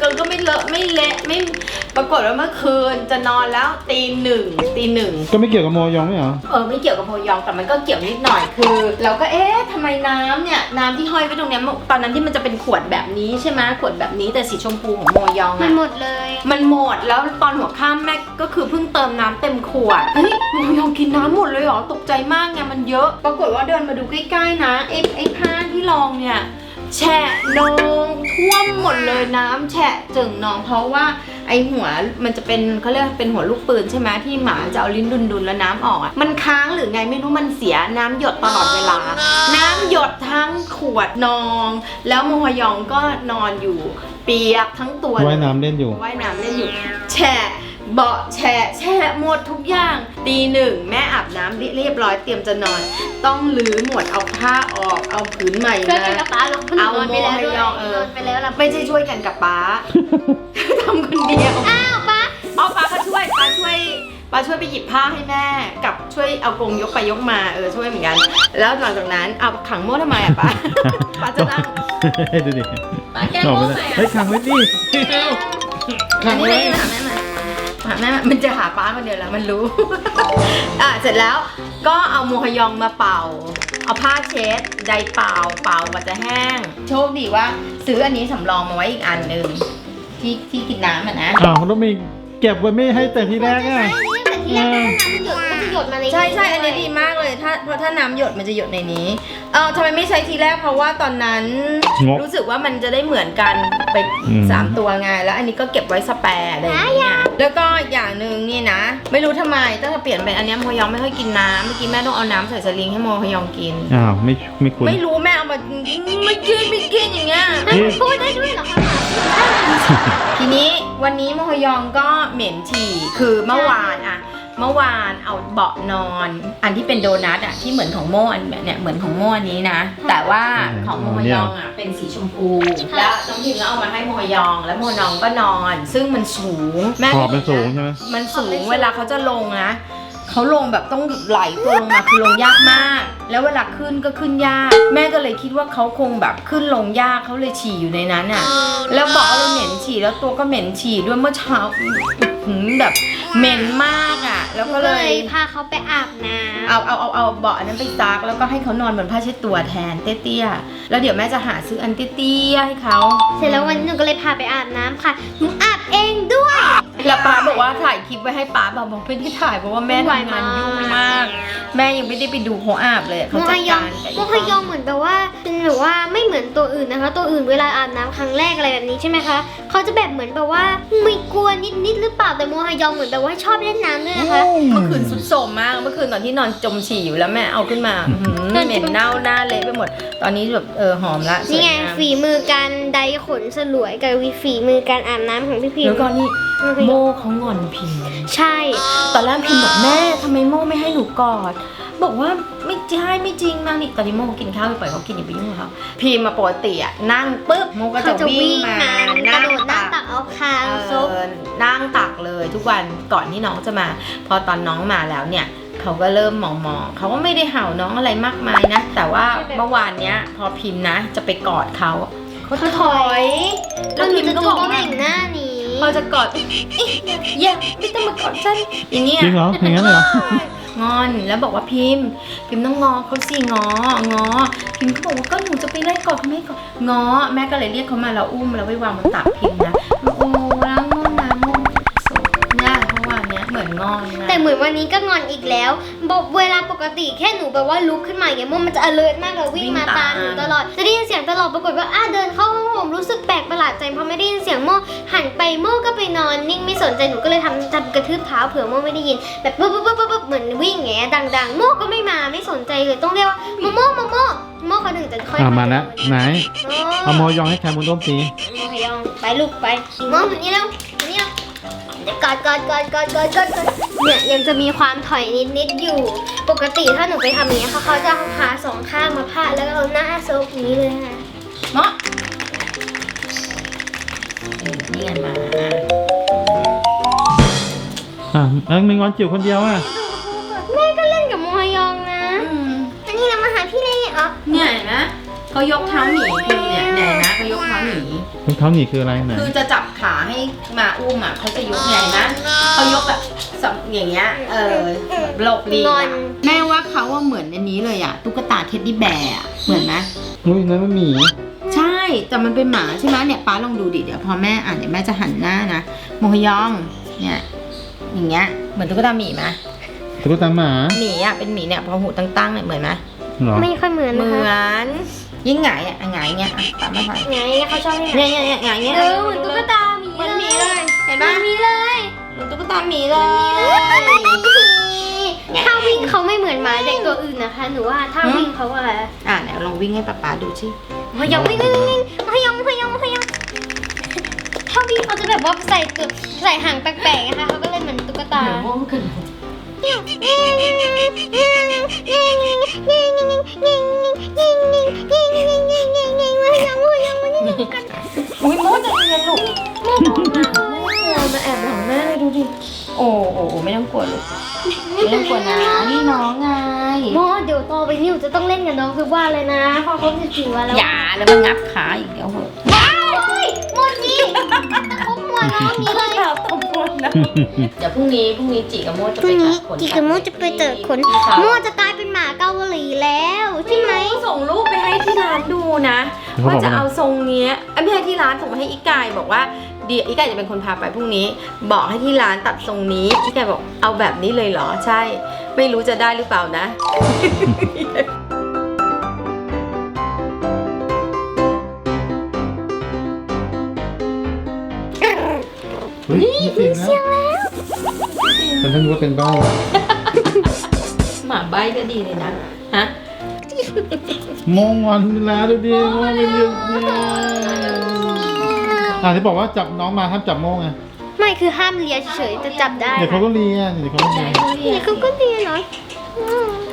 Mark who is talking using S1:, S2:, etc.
S1: เราก็ไม่เลอะไม่เละไม่ปรากฏว่าเมื่อคืนจะนอนแล้วตีหนึ่ง
S2: ก็ไม่เกี่ยวกับโมยองไม่เหรอ
S1: ไม่เกี่ยวกับโพยองแต่มันก็เกี่ยวนิดหน่อยคือเราก็ทำไมน้ำเนี่ยน้ำที่ห้อยไว้ตรงเนี้ยตอนนั้นที่มันจะเป็นขวดแบบนี้ใช่ไหมขวดแบบนี้แต่สีชมพูของโมยอง
S3: มันหมดเลย
S1: มันหมดแล้วตอนหัวค่ำแม่ก็คือเพิ่งเติมน้ำเต็มขวดเฮ้ยโมยองกินน้ำหมดเลยเหรอตกใจมากไงมันเยอะปรากฏว่าเดินมาดูใกล้ๆนะไอ้ผ้าที่รองเนี่ยแฉะนองท่วมหมดเลยน้ำแฉะจึงนองเพราะว่าไอหัวมันจะเป็นเขาเรียกเป็นหัวลูกปืนใช่ไหมที่หมาจะเอาลิ้นดุนๆแล้วน้ำออกอ่ะมันค้างหรือไงไม่รู้มันเสียน้ำหยดตลอดเวลาน้ำหยดทั้งขวดนองแล้วโมฮยองก็นอนอยู่เปียกทั้งตัว
S2: ว่ายน้ำเล่นอยู่
S1: แฉะเบาะแฉะหมดทุกอย่างตีหนึ่งแม่อาบน้ำเรียบร้อยเตรียมจะนอนต้องลื้อหมดเอาผ้าออกเอาผืนใหม่มาเอาโมฮยองไม่ใช่ช่วยกันกับป๊าทำคนเดียว
S3: อ้าวป๊า
S1: ป๊าก็ช่วยป๊าช่วยไปหยิบผ้าให้แม่กับช่วยเอากรงยกไปยกมาช่วยเหมือนกันแล้วหลังจากนั้นเอาขังโม่ทำไมอะป๊าป๊าจะนั่ง
S2: ดูดิ
S1: ป๊าแก้โม่ไหม
S2: เฮ้ยขังไว้ดิ
S1: ขังไว้หาแม่มันจะหาป๊าคนเดียวแล้วมันรู้เสร็จแล้วก็เอาโมฮยองมาเป่าเอาผ้าเช็ดไดเป่ากว่าจะแห้งโชคดีว่าซื้ออันนี้สำรองมาไว้อีกอันหนึ่งที่กินน้ำนะ
S2: ต้องมีเก็บไว้ไม่ให้แต่ทีแรก
S3: อ่ะที่แรกน้ำหยดมันจะหยดมาใน
S1: ใช่อันนี้ดีมากเลยเพราะถ้าน้ำหยดมันจะหยดในนี้ทำไมไม่ใช้ทีแรกเพราะว่าตอนนั้นรู้สึกว่ามันจะได้เหมือนกันไป3ตัวไงแล้วอันนี้ก็เก็บไว้สแปร์อะไรอย่างเงี้ยแล้วก็อย่างหนึ่งนี่นะไม่รู้ทำไมต้องเปลี่ยนเป็นอันนี้โมฮยองไม่ค่อยกินน้ำเมื่อกี้แม่ต้องเอาน้ำใส่สลิงให้โมฮยองกิน
S2: ไม่คุ้น
S1: ไม่รู้แม่เอามาไม่กินอย่างเงี้ย
S3: พูดได้ด้วยเหรอคะ
S1: ทีนี้วันนี้โมฮยองก็เหม็นฉี่คือเมื่อวานเอาเบาะนอนอันที่เป็นโดนัทที่เหมือนของโม่อันเนี่ยเหมือนของโม่อันนี้นะแต่ว่าของโมฮยองเป็นสีชมพูแล้วน้องพิมก็เอามาให้โมฮยองแล้วโมฮยองก็นอนซึ่งมันสูง
S2: แม่มันสูงใช่ไหม
S1: มันสูงเวลาเขาจะลงนะเขาลงแบบต้องไหลตัวลงมาคือลงยากมากแล้วเวลาขึ้นก็ขึ้นยากแม่ก็เลยคิดว่าเขาคงแบบขึ้นลงยากเขาเลยฉี่อยู่ในนั้นแล้วบอกว่าเราเหม็นฉี่แล้วตัวก็เหม็นฉี่ด้วยเมื่อเช้าแบบเหม็นมากแล้วก็เลย
S3: พาเขาไปอาบน้ำ
S1: เอาเบาะนั้นไปซักแล้วก็ให้เขานอนบนผ้าเช็ดตัวแทนเตี้ยๆแล้วเดี๋ยวแม่จะหาซื้ออันเตี้ยๆให้เขา
S3: เสร็จแล้ววันนี้หนูก็เลยพาไปอาบน้ำค่ะหนูอาบเองด้วย
S1: แล้วป้าบอกว่าถ่ายคลิปไว้ให้ป้าบอกไม่ได้ถ่ายเพราะว่าแม่ทำงานยุ่งมากแม่ยังไม่ได้ไปดูเขาอาบเลยเขาจัดการ
S3: โมฮยองเหมือนแบบว่าเป็นแบบว่าไม่เหมือนตัวอื่นนะคะตัวอื่นเวลาอาบน้ำครั้งแรกอะไรแบบนี้ใช่ไหมคะเขาจะแบบเหมือนแบบว่าไม่กลัวนิดหรือเปล่าแต่โมฮยองเหมือนแบบว่าชอบเล่นน้ำด้วยนะคะ
S1: เมื่อคืนสุดโสมมากเมื่อคืนตอนที่นอนจมฉี่อยู่แล้วแม่เอาขึ้นมาเหม็นเน่าหน้าเละไปหมดตอนนี้แบบหอมละ
S3: นี่ไงฝีมือการไดขนสลวยกับฝีมือการอาบน้ำของพี่พิม
S1: แล้วก็นี่โมเขางอนพิม
S3: ใช่
S1: ตอนแรกพิมบอกแม่ทำไมโมไม่ให้หนูกอดบอกว่าไม่ใช่ไม่จริงนะนี่ตอนนี้โมกินข้าวไปปล่อยเขากินอย่าไปยุ่งกับเขาพิมมาปกตินั่งปุ๊บโมก็จะวิ่งมา
S3: นั่งตักเอาคางซุป
S1: นั่งตักเลยทุกวันก่อนที่น้องจะมาพอตอนน้องมาแล้วเนี่ยเขาก็เริ่มมองเขาก็ไม่ได้เห่าน้องอะไรมากมายนะแต่ว่าเมื่อวานเนี้ยพอพิมนะจะไปกอดเขา
S3: ถอยแล้วพิมก็บอกว่าแต่งหน้านี้
S1: พอจะกอดอย่าไม่ต้องมากอดฉันอย่างเงี้ย
S2: จริงเหรออย่างนั้นเลยเหร
S1: องอนแล้วบอกว่าพิมต้องงอเขาสิงอพิมก็บอกว่าก็หนูจะไปไล่กอดเขาไม่กอดงอแม่ก็เลยเรียกเขามาแล้วอุ้มแล้วไปวางบนตักพิมนะโอ้ล้างน้ำเนี่ยเพราะว่าเนี้ยเหมือนงอนนะ
S3: แต่เหมือนวันนี้ก็งอนอีกแล้วบอกเวลาปกติแค่หนูแบบว่าลุกขึ้นมาอย่างเงี้ยมันจะ alert มากเลยวิ่งมาตามหนูตลอดจะได้ยินเสียงตลอดปรากฏว่าเดินเข้าห้องผมรู้สึกแปลกประหลาดใจเพราะไม่ได้ยินเสียงโม่หันไปโม่ก็ไปนอนนิ่งไม่สนใจหนูก็เลยทำกระทืบเท้าเผื่อโม่ไม่ได้ยินแบบปุ๊บเหมือนวิ่งแง่ดังๆโม่ก็ไม่มาไม่สนใจเลยต้องเรียกว่าโม่เขาถึงจะค่อย
S2: มาแล้วไหนเอาโมยองให้แคมุนต้มสี
S3: โมยองไปลูกไปโม่แบบนี้แล้วกอดเนี่ยยังจะมีความถอยนิดอยู่ปกติถ้าหนูไปทำอย่างนี้เขาจะเอาขาสองข้างมาพาดแล้วก็เอาหน้าซุกนี้เลยค่ะ
S1: เนาะนี่ไงมา
S2: ไม่งอนจิ๋วคนเดียว
S3: แม่ก็เล่นกับโมฮยองนะอันนี้เรามาหาพี่เล่เหรอ
S1: เนี่ยนะเขายกเท้าหนีคือเนี่ยนะเขายกเท้าหนี
S2: รองเท้าหนีคืออะไรไหน
S1: คือจะจับขาให้มาอุ้มอ่ะเขาจะยกไงนะเขายกแบบอย่างเงี้ยหลบลีกแม่ว่าเขาว่าเหมือนอันนี้เลยอ่ะตุ๊กตาเท็ดดี้แบร์อะเหมือนไหม
S2: อุ้ยนั่นมันหมี
S1: ใช่แต่มันเป็นหมาใช่ไหมเนี่ยป้าลองดูดิเดี๋ยวพอแม่อ่านเดี๋ยวแม่จะหันหน้านะโมฮยองเนี่ยอย่างเงี้ยเหมือนตุ๊กตาหมีไหม
S2: ตุ๊กตาหมา
S1: หมีอ่ะเป็นหมีเนี่ยพอหูตั้งๆเนี่ยเหมือนไหม
S2: เหรอ
S3: ไม่ค่อยเหมือน
S1: เห
S3: นะ
S1: มื
S3: คะ
S1: อนยิ่งหงายอ่ะหงายเงี้ยป้ามาถ่าย
S3: ไงเขาชอบให้
S1: เนี่ยหงายเงี้ย
S3: เหมือนตุ๊กตาหมี
S1: เหมือนหมีเลยเห็นปะ
S3: หมีเลย
S1: เหมือนตุ๊กตาหมีเลย
S3: ถ้าวิ่งเขาไม่เหมือนหมาเด็กตัวอื่นนะคะหนูว่าถ้าวิ่งเขาอะไร
S1: ไหนลองวิ่งให้ป๊าดูสิ
S3: พยองวิ่งพยองถ้าวิ่งเขาจะแบบว่าใส่หางแปลกๆนะคะเขาก็เลยเหมือนตุ๊กตา
S1: เดี๋ยวม่วงกันอุ้ยโมจะเรียนลูกมาแอบหลังแม่เลยดูดิโอ้ไม่ต้องกลัวลูกไม่ต้องกลัวนะนี่น้องไง
S3: โมเดี๋ยวโตไปนี่หนูจะต้องเล่นกับน้องคือว่าเลยนะพอเขา14 วันแล้ว
S1: อย่าแล้วมันงับขาอีกเดี๋ยวเหอะ
S3: ว้าวโมจิตะคุบหัวน้องนี้เลย
S1: เดี๋ยวพรุ่งนี้จิกับโมจะ
S3: พ
S1: ไป
S3: รุ่งนี้
S1: ตัดขน
S3: จิกับโมจะไปเจอขนโมจะกลายเป็นหมาเกาหลีแล้วใช่ไหม
S1: ส่งรูปไปให้ที่ร้านดูนะ
S2: เขาบ
S1: ว่า
S2: อก
S1: จะ
S2: ว่า
S1: เอาทรงเนี้ยไม่ให้ที่ร้านส่งมาให้อีกายบอกว่าเดี๋ยวอีกายจะเป็นคนพาไปพรุ่งนี้ บอกให้ที่ร้านตัดทรงนี้อีกายบอกเอาแบบนี้เลยเหรอใช่ ไม่รู้จะได้หรือเปล่านะ
S2: เฮ้ยมีเสียงแล้วฉันนึกว่าเป็นบ้า
S1: หมาใบ้ก็ดีเลยนะฮะ
S2: โมงวันแล้วดูดิโมงเป็นเรื่องเนี่ยที่บอกว่าจับน้องมาห้ามจับโมงไง
S3: ไม่คือห้ามเลียเฉยๆจะจับได้
S2: เดี๋ยวเขาก็เลียเดี๋ยวเขาก็เลีย
S3: เดี๋ยวเขาก็เลียเหรอ